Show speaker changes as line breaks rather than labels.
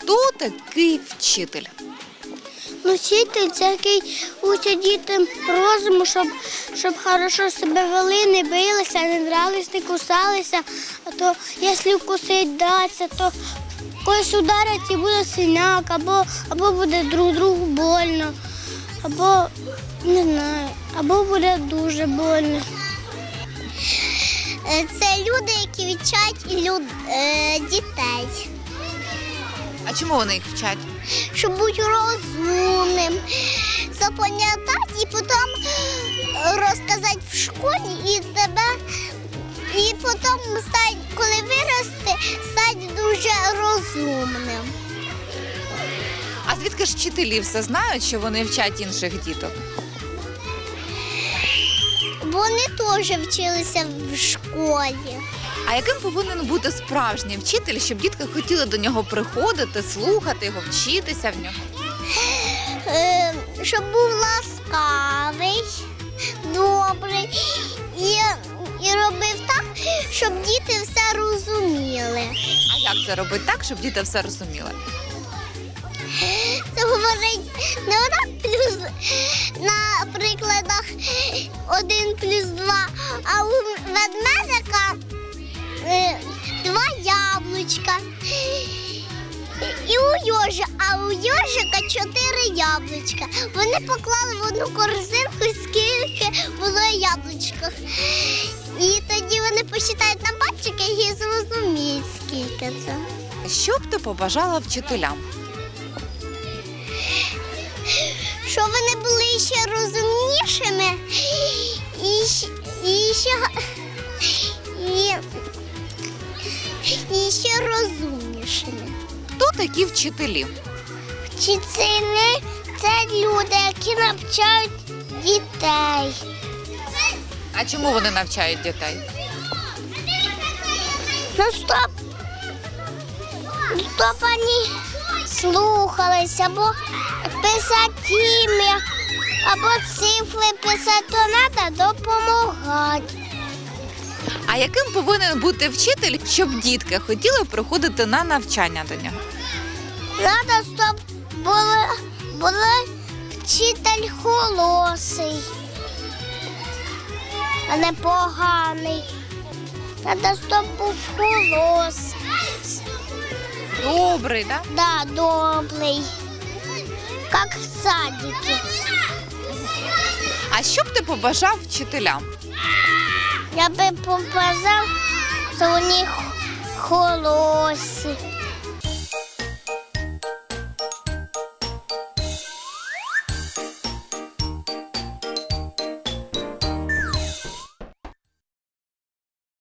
Хто такий вчитель?
Ну, вчитель – це який учить дітям розуму, щоб хорошо себе вели, не билися, не дрались, не кусалися. А то, якщо вкусить даться, то когось ударять і буде синяк, або буде друг другу больно, або, не знаю, або буде дуже больно. Це люди, які вчать дітей.
А чому вони їх вчать?
Щоб бути розумним, запам'ятати і потім розказати в школі і потім, коли виросте, стати дуже розумним.
А звідки ж вчителі все знають, що вони вчать інших діток?
Вони теж вчилися в школі.
А яким повинен бути справжній вчитель, щоб дітки хотіли до нього приходити, слухати його, вчитися в нього?
Щоб був ласкавий, добрий і робив так, щоб діти все розуміли.
А як це робити так, щоб діти все розуміли?
Це говорить не отак плюс на прикладах 1+2, а у ведмедика 2 яблучка. І у йожика 4 яблучка. Вони поклали в одну корзинку, скільки було яблучок. І тоді вони посчитають на пальчики і зрозуміють, скільки це.
Що б ти побажала вчителям?
Щоб вони були ще розумнішими і ще розумнішими.
Хто такі вчителі?
Вчителі – це люди, які навчають дітей.
А чому вони навчають дітей?
Ну, щоб вони слухалися, або писати ім'я, або цифри писати, то треба допомагати.
А яким повинен бути вчитель, щоб дітки хотіли приходити на навчання до нього?
Треба, щоб був вчитель холосий, а не поганий. Треба, щоб був холосий.
Добрий, так?
Да, добрий. Як в садике.
А що б ти побажав вчителям?
Я би побажав, що вони холосі.